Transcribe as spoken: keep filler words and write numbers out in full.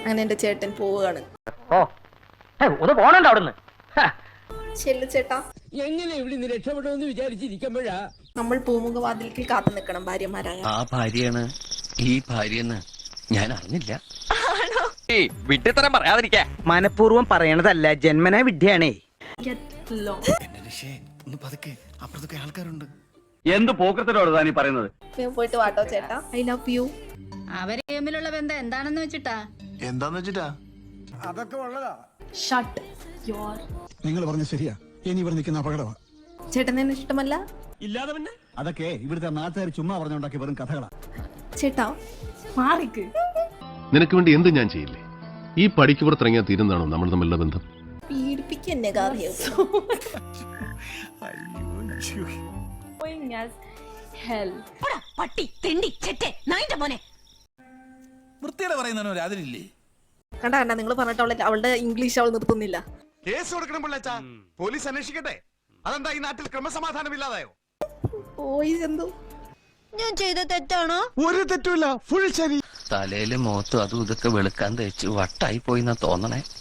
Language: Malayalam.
അങ്ങനെ എന്റെ ചേട്ടൻ പോവുകയാണ്. ഓ ഒന്ന് പോണണ്ട അവിടുന്ന്. ചെല്ലു ചേട്ടാ, എങ്ങനെ ഇവിടെ നിന്ന് രക്ഷപ്പെടുമെന്ന് വിചാരിച്ചിരിക്കുമ്പോഴാ നമ്മൾ പൂമുഖവാതിൽക്ക് കാത്തു നിൽക്കണം ഭാര്യമാരായ. ആ ഭാര്യയാണ് ഈ ഭാര്യന്ന് ഞാൻ അറിഞ്ഞില്ല. വിഡ്ഢിത്തരം പറയാതിരിക്കാ. മനഃപൂർവ്വം പറയണതല്ല, ജന്മനാ വിഡ്ഢിയാണേ. ആൾക്കാരുണ്ട്. എന്ത് പോക്കത്തിനോട് താനീ പറയുന്നത്? പോയിട്ട് വാട്ടോ ചേട്ടാ, ഐ ലവ് യു. അവര് തമ്മിലുള്ള ബന്ധം എന്താണെന്ന് വെച്ചിട്ടാ എന്താന്ന് വെച്ചിട്ടാ അതൊക്കെ ഉള്ളതാ. Shut your. നിങ്ങൾ പറഞ്ഞ ശരിയാ, ഇനി ഇവിടെ നിൽക്കുന്ന അപകടമാ. ചേട്ടനെ ഇഷ്ടമല്ല? ഇല്ലാതെ പിന്നെ അതൊക്കെ ഇവിടുത്തെ നാട്ടുകാർ ചുമ്മാ പറഞ്ഞുണ്ടാക്കി വെറും കഥകളാ. ചേട്ടാ മാറിക്ക്. നിനക്ക് വേണ്ടി എന്ത് ഞാൻ ചെയ്യില്ലേ? ഈ പടിക്ക് പുറത്തിറങ്ങിയാൽ തീരുന്നതാണോ നമ്മൾ തമ്മിലുള്ള ബന്ധം? പീഡിപ്പിക്കെന്നെ കാര്യം. പട്ടി തെണ്ടി ചെറ്റെ നായിന്റെ മോനെ വൃത്തിയുടെ പറയുന്നതിനോ അതിലില്ലേ? കണ്ട കണ്ട നിങ്ങൾ പറഞ്ഞിട്ട് അവളെ അവളുടെ ഇംഗ്ലീഷ് അവൾ നിർത്തുന്നില്ല. കേസ് കൊടുക്കണം പിള്ളേച്ചാ, പോലീസ് അന്വേഷിക്കട്ടെ. അതെന്താ ഈ നാട്ടിൽ ക്രമസമാധാനം ഇല്ലാതായോ? ഓയ് എന്തോ ഞാൻ ചെയ്ത തെറ്റാണോ? ഒരു തെറ്റുമില്ല, ഫുൾ ശരി. തലയില് മുഖത്തും അതും ഇതൊക്കെ വെളുക്കാൻ തേച്ച് വട്ടായി പോയിന്നാ തോന്നണേ.